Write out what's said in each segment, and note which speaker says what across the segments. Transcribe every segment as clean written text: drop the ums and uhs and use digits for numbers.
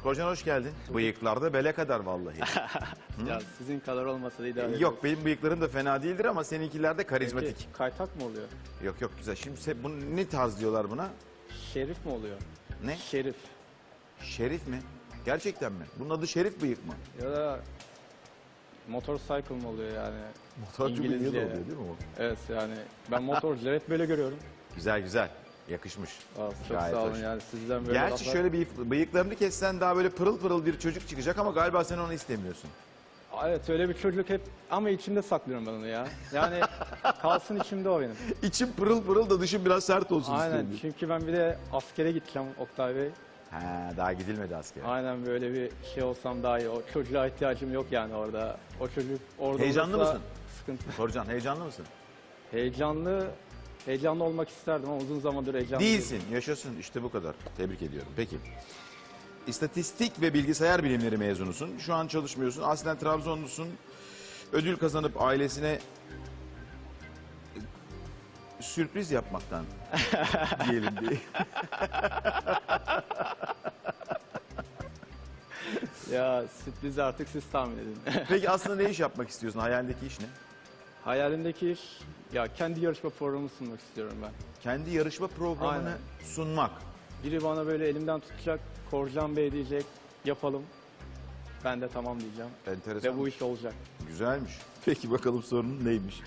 Speaker 1: Korcan hoş geldin. Bıyıklarda bele kadar vallahi.
Speaker 2: Ya sizin kadar olmasa da idare
Speaker 1: Yok benim bıyıklarım da fena değildir ama seninkiler de karizmatik.
Speaker 2: Peki, kaytak mı oluyor?
Speaker 1: Yok yok güzel. Şimdi bunu ne tarz diyorlar buna?
Speaker 2: Şerif mi oluyor?
Speaker 1: Ne?
Speaker 2: Şerif.
Speaker 1: Şerif mi? Gerçekten mi? Bunun adı Şerif bıyık mı?
Speaker 2: Ya da motorcycle mı oluyor yani?
Speaker 1: Motorcu bıyığı da
Speaker 2: İngilizce.
Speaker 1: oluyor değil mi o?
Speaker 2: Evet yani ben motorcuları hep böyle görüyorum.
Speaker 1: Güzel güzel. Yakışmış.
Speaker 2: Çok
Speaker 1: Gayet
Speaker 2: sağ olun
Speaker 1: hoş.
Speaker 2: yani sizden böyle
Speaker 1: Gerçi
Speaker 2: laflar-
Speaker 1: şöyle bir bıyıklarını kessen daha böyle pırıl pırıl bir çocuk çıkacak ama galiba sen onu istemiyorsun.
Speaker 2: Evet öyle bir çocuk hep ama içimde saklıyorum ben onu ya. Yani kalsın içimde o benim.
Speaker 1: İçim pırıl pırıl da dışım biraz sert olsun
Speaker 2: Aynen
Speaker 1: istiyorum.
Speaker 2: çünkü ben bir de askere gideceğim Oktay Bey.
Speaker 1: Ha, daha gidilmedi askere.
Speaker 2: Aynen böyle bir şey olsam daha iyi. O çocuğa ihtiyacım yok yani orada. O çocuk orada
Speaker 1: Heyecanlı
Speaker 2: olursa
Speaker 1: mısın?
Speaker 2: Sıkıntı.
Speaker 1: Korcan heyecanlı mısın?
Speaker 2: Heyecanlı olmak isterdim ama uzun zamandır heyecanlı
Speaker 1: Değilsin. Yaşasın. İşte bu kadar. Tebrik ediyorum. Peki. İstatistik ve bilgisayar bilimleri mezunusun. Şu an çalışmıyorsun. Aslen Trabzonlusun. Ödül kazanıp ailesine sürpriz yapmaktan diyelim diye.
Speaker 2: Ya sürprizi artık siz tahmin edin.
Speaker 1: Peki aslında ne iş yapmak istiyorsun? Hayalindeki iş ne?
Speaker 2: Hayalimdeki iş ya kendi yarışma programı sunmak istiyorum ben.
Speaker 1: Kendi yarışma programını
Speaker 2: Aynen.
Speaker 1: sunmak.
Speaker 2: Biri bana böyle elimden tutacak, Korcan Bey diyecek, yapalım. Ben de tamam diyeceğim.
Speaker 1: Enteresan.
Speaker 2: Ve bu iş olacak.
Speaker 1: Güzelmiş. Peki bakalım sorunun neymiş?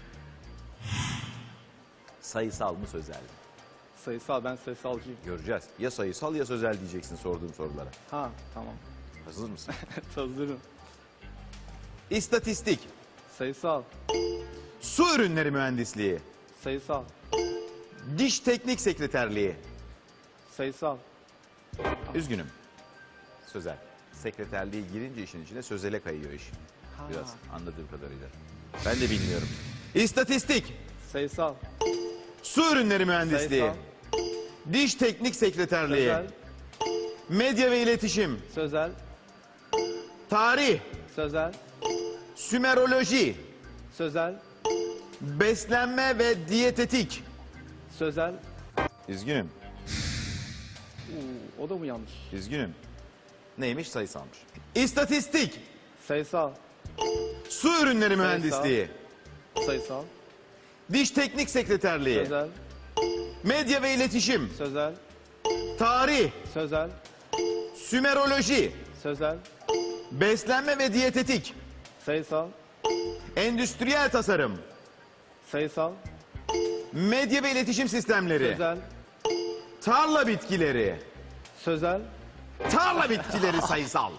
Speaker 1: Sayısal mı sözel mi?
Speaker 2: Sayısal, ben sayısalcıyım.
Speaker 1: Göreceğiz. Ya sayısal ya sözel diyeceksin sorduğum sorulara.
Speaker 2: Ha tamam.
Speaker 1: Hazır mısın?
Speaker 2: Hazırım.
Speaker 1: İstatistik,
Speaker 2: Sayısal,
Speaker 1: su ürünleri mühendisliği,
Speaker 2: sayısal,
Speaker 1: diş teknik sekreterliği.
Speaker 2: sayısal.
Speaker 1: Üzgünüm. Sözel. Sekreterliğe girince işin içine sözele kayıyor iş. Biraz anladığım kadarıyla. Ben de bilmiyorum. İstatistik,
Speaker 2: Sayısal,
Speaker 1: su ürünleri mühendisliği,
Speaker 2: sayısal,
Speaker 1: diş teknik sekreterliği,
Speaker 2: sözel,
Speaker 1: medya ve iletişim,
Speaker 2: sözel,
Speaker 1: tarih,
Speaker 2: sözel,
Speaker 1: sümeroloji,
Speaker 2: sözel,
Speaker 1: beslenme ve diyetetik.
Speaker 2: sözel.
Speaker 1: Üzgünüm.
Speaker 2: O da mı yanlış?
Speaker 1: Üzgünüm. Neymiş? Sayısalmış. İstatistik,
Speaker 2: Sayısal,
Speaker 1: su ürünleri mühendisliği,
Speaker 2: sayısal,
Speaker 1: diş teknik sekreterliği,
Speaker 2: sözel,
Speaker 1: medya ve iletişim,
Speaker 2: sözel,
Speaker 1: tarih,
Speaker 2: sözel,
Speaker 1: sümeroloji,
Speaker 2: sözel,
Speaker 1: beslenme ve diyetetik,
Speaker 2: sayısal,
Speaker 1: endüstriyel tasarım,
Speaker 2: sayısal,
Speaker 1: medya ve iletişim sistemleri,
Speaker 2: sözel,
Speaker 1: tarla bitkileri,
Speaker 2: sözel.
Speaker 1: tarla bitkileri sayısal.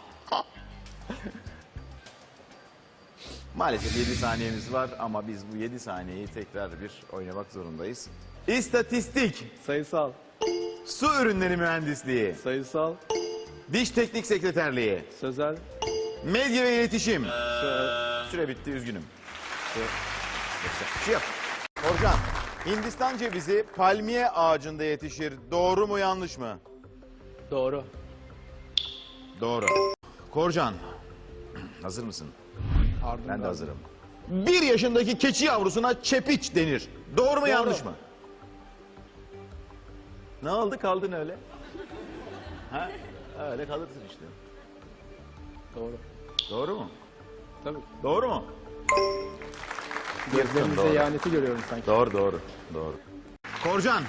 Speaker 1: Maalesef 7 saniyemiz var ama biz bu 7 saniyeyi tekrar bir oynamak zorundayız. İstatistik,
Speaker 2: Sayısal,
Speaker 1: su ürünleri mühendisliği,
Speaker 2: sayısal,
Speaker 1: diş teknik sekreterliği,
Speaker 2: sözel,
Speaker 1: medya ve iletişim.
Speaker 2: sö-
Speaker 1: Süre bitti üzgünüm. Bir şey yok. Korcan, Hindistan cevizi palmiye ağacında yetişir. Doğru mu yanlış mı?
Speaker 2: doğru.
Speaker 1: Doğru. Korcan, hazır mısın?
Speaker 2: Ardından.
Speaker 1: Ben de hazırım. 1 yaşındaki keçi yavrusuna çepiç denir. Doğru mu yanlış mı? Ne oldu kaldın öyle? Ha? Öyle kalırsın işte.
Speaker 2: Doğru.
Speaker 1: Doğru mu?
Speaker 2: Tabii.
Speaker 1: Doğru mu?
Speaker 2: Gözlerinize
Speaker 1: Doğru.
Speaker 2: ihaneti görüyorum sanki.
Speaker 1: Doğru doğru. Doğru. Korcan.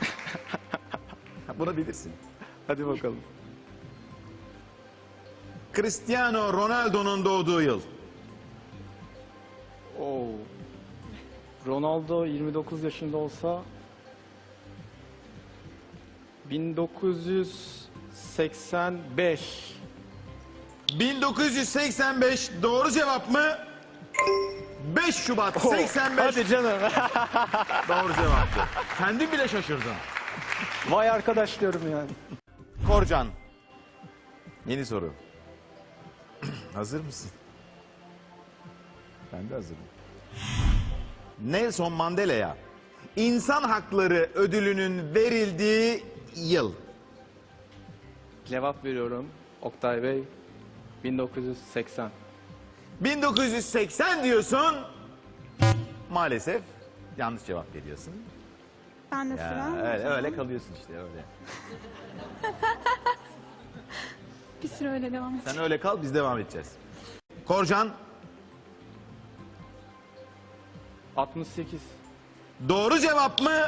Speaker 1: Bunu bilirsin.
Speaker 2: Hadi bakalım.
Speaker 1: Cristiano Ronaldo'nun doğduğu yıl.
Speaker 2: Oo. Ronaldo 29 yaşında olsa 1985.
Speaker 1: 1985 doğru cevap mı? 5 Şubat 85
Speaker 2: Hadi canım.
Speaker 1: doğru cevaptı. Kendin bile şaşırdın.
Speaker 2: Vay arkadaş diyorum yani.
Speaker 1: Korcan. Yeni soru. Hazır mısın? Ben de hazırım. Nelson Mandela'ya İnsan Hakları Ödülü'nün verildiği yıl.
Speaker 2: Cevap veriyorum Oktay Bey. 1980.
Speaker 1: 1980 diyorsun. Maalesef yanlış cevap veriyorsun.
Speaker 3: Ben de
Speaker 1: Ya,
Speaker 3: sıra.
Speaker 1: öyle kalıyorsun işte öyle.
Speaker 3: Bir süre öyle devam et.
Speaker 1: Sen öyle kal, biz devam edeceğiz. Korcan,
Speaker 2: 68.
Speaker 1: doğru cevap mı?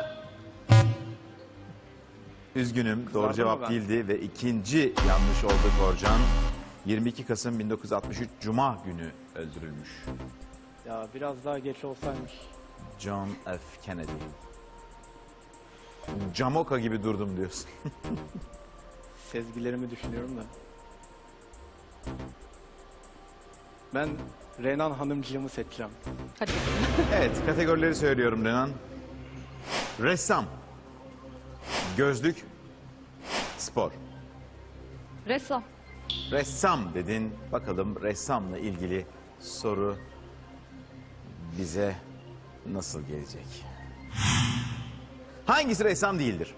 Speaker 1: Üzgünüm, doğru
Speaker 2: Kızardım
Speaker 1: cevap
Speaker 2: mı ben?
Speaker 1: değildi ve ikinci yanlış oldu Korcan. 22 Kasım 1963 Cuma günü öldürülmüş.
Speaker 2: Ya biraz daha geç olsaymış.
Speaker 1: John F. Kennedy. Camoka gibi durdum diyorsun.
Speaker 2: Sezgilerimi düşünüyorum da. Ben Renan Hanımcığımı seçeceğim.
Speaker 3: Hadi.
Speaker 1: Evet, kategorileri söylüyorum Renan. Ressam, gözlük, spor.
Speaker 3: Ressam.
Speaker 1: Ressam dedin. Bakalım ressamla ilgili soru bize nasıl gelecek? Hangisi ressam değildir?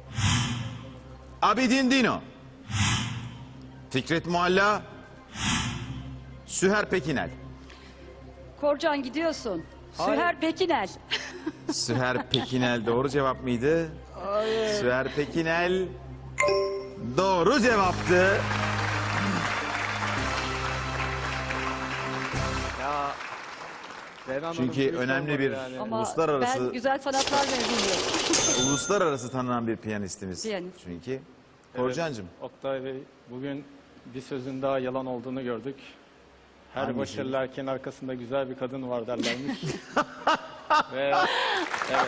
Speaker 1: Abidin Dino, Fikret Mualla, Süher Pekinel.
Speaker 3: Korcan gidiyorsun. Süher Pekinel.
Speaker 1: Süher Pekinel doğru cevap mıydı?
Speaker 2: Hayır.
Speaker 1: Süher Pekinel doğru cevaptı.
Speaker 2: Ya Renan
Speaker 1: Çünkü
Speaker 2: Hanımcığım
Speaker 1: önemli
Speaker 2: olmadı
Speaker 1: bir
Speaker 2: yani.
Speaker 3: Ama
Speaker 1: Uluslararası-
Speaker 3: ben güzel sanatlar mezunuyum.
Speaker 1: Uluslararası tanınan bir piyanistimiz.
Speaker 3: Piyanist.
Speaker 1: Çünkü.
Speaker 2: Evet,
Speaker 1: Korcancığım.
Speaker 2: Oktay Bey, bugün bir sözün daha yalan olduğunu gördük. Her
Speaker 1: Hangisi?
Speaker 2: başarılı erkeğin arkasında güzel bir kadın var derlermiş. Ve evet,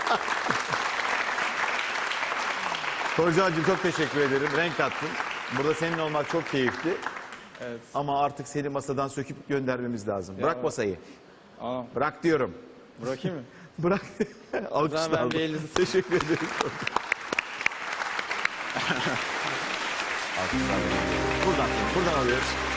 Speaker 1: Korcancığım çok teşekkür ederim. Renk kattın. Burada senin olmak çok keyifli.
Speaker 2: evet.
Speaker 1: Ama artık seni masadan söküp göndermemiz lazım. Bırak
Speaker 2: Ya.
Speaker 1: masayı.
Speaker 2: Aa,
Speaker 1: Bırak diyorum.
Speaker 2: bırakayım mı?
Speaker 1: Bırak. Alkışlar.
Speaker 2: ben bir elinizi-
Speaker 1: Teşekkür ederim. Alkışlar. Buradan alıyoruz.